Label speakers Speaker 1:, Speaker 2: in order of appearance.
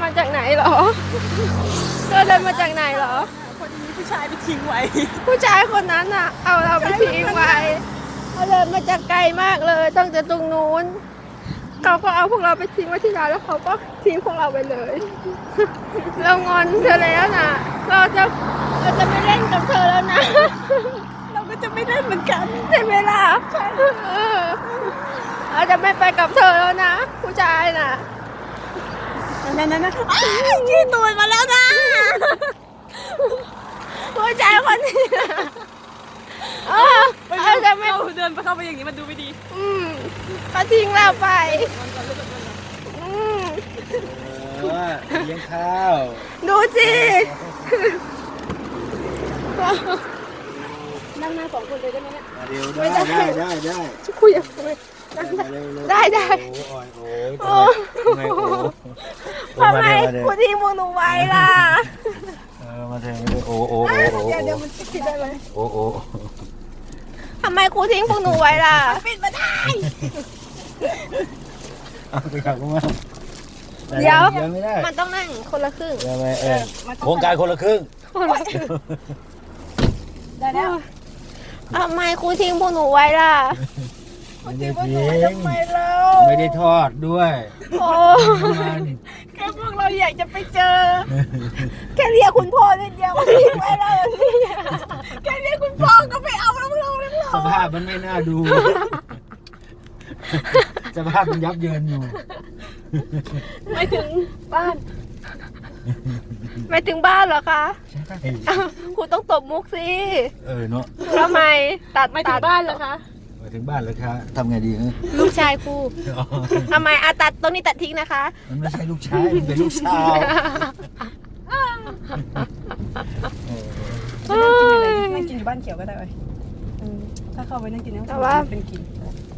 Speaker 1: มาจากไหนเหรอเธอเดินมาจากไหนเหรอ
Speaker 2: คนนี้ผู้ชายไปทิ้งไว้
Speaker 1: ผู้ชายคนนั้นอ่ะ เอาเราไปทิ้งไว้เขาเดินมาจากไกลมากเลยตั้งแต่ตรงนู้นเขาก็เอาพวกเราไปทิ้งไว้ที่ร้านแล้วเขาก็ทิ้งพวกเราไปเลย เรางอนเธอแล้วนะเราจะไม่เล่นกับเธอแล้วนะ
Speaker 2: เราก็จะไม่เล่นเหมือนกัน
Speaker 1: ใช่ไหมล่ะเราจะไม่ไปกับเธอแล้วนะ ผู้ชายน่ะ
Speaker 2: นั่นขี้ตูดมาแล้วนะ
Speaker 1: ผู้ชายคนนี้เราจะไม่
Speaker 2: เราเดินไปเข้าไปอย่างนี้มันดูไม่ดี
Speaker 1: เขาทิ้งเราไปอืม
Speaker 3: เลี้ยงข้าว
Speaker 1: ดูสิ
Speaker 2: นั่งหน้า2 คนเลยได้ไหมเนี่ย
Speaker 3: มาเร็วได้
Speaker 1: คุยกับคุย ได้
Speaker 3: โอ้ยทำไม
Speaker 1: ทำไมคุณทิ้งพวกหนูไว้ล่ะ
Speaker 3: มาเถอะโอ้
Speaker 2: เดี๋ยวมันจะคิดได้ไหม
Speaker 3: โอ้
Speaker 1: ทำไมครูทิ้งพวกหนูไว้ล่ะ
Speaker 2: ปิดมาได้
Speaker 3: เอาไปขับกูมา
Speaker 1: เดี๋ยว
Speaker 3: ไม่ได้
Speaker 1: มันต้องนั่งคนละครึ่ง
Speaker 3: โครงการคนละครึ่ง
Speaker 2: ได้แล้ว
Speaker 1: ทำไมครูทิ้งพวกหนูไว้ล่ะ
Speaker 3: ไม่ได้ทิ้ง
Speaker 2: ทำไมเรา
Speaker 3: ไม่ได้ทอดด้วย
Speaker 1: โอ้
Speaker 2: แค่พวกเราอยากจะไปเจอ
Speaker 1: แค่เรียกคุณพ่อนิดเดียวก็ทิ้งไว้แล้วนี่
Speaker 2: แค่เรียกคุณพ่อก็ไม่เอาแล้วเราแล้ว
Speaker 3: สภาพมันไม่น่าดู สภาพมันยับเยินอยู่
Speaker 2: ไม่ถึงบ้าน
Speaker 1: ไปถึงบ้านเหรอคะ
Speaker 3: ใช่
Speaker 1: ครูต้องตบมุกสิ
Speaker 3: เนาะ
Speaker 1: ทำไมตัด
Speaker 2: ไม่ถึงบ้านเหรอคะ
Speaker 3: มาถึงบ้านแล้วครับทำไงดีฮะ
Speaker 1: ลูกชายครูทำไมตัดตรงนี้ตัดทิ้งนะคะ
Speaker 3: มันไม่ใช่ลูกชายมันเป็นลูกสาว
Speaker 2: นั่งกินอยู่บ้านเขียวก็ได้เว้ยถ้าเข้าไปนั่งกิน
Speaker 1: แต่ว่า
Speaker 2: เป็นกิน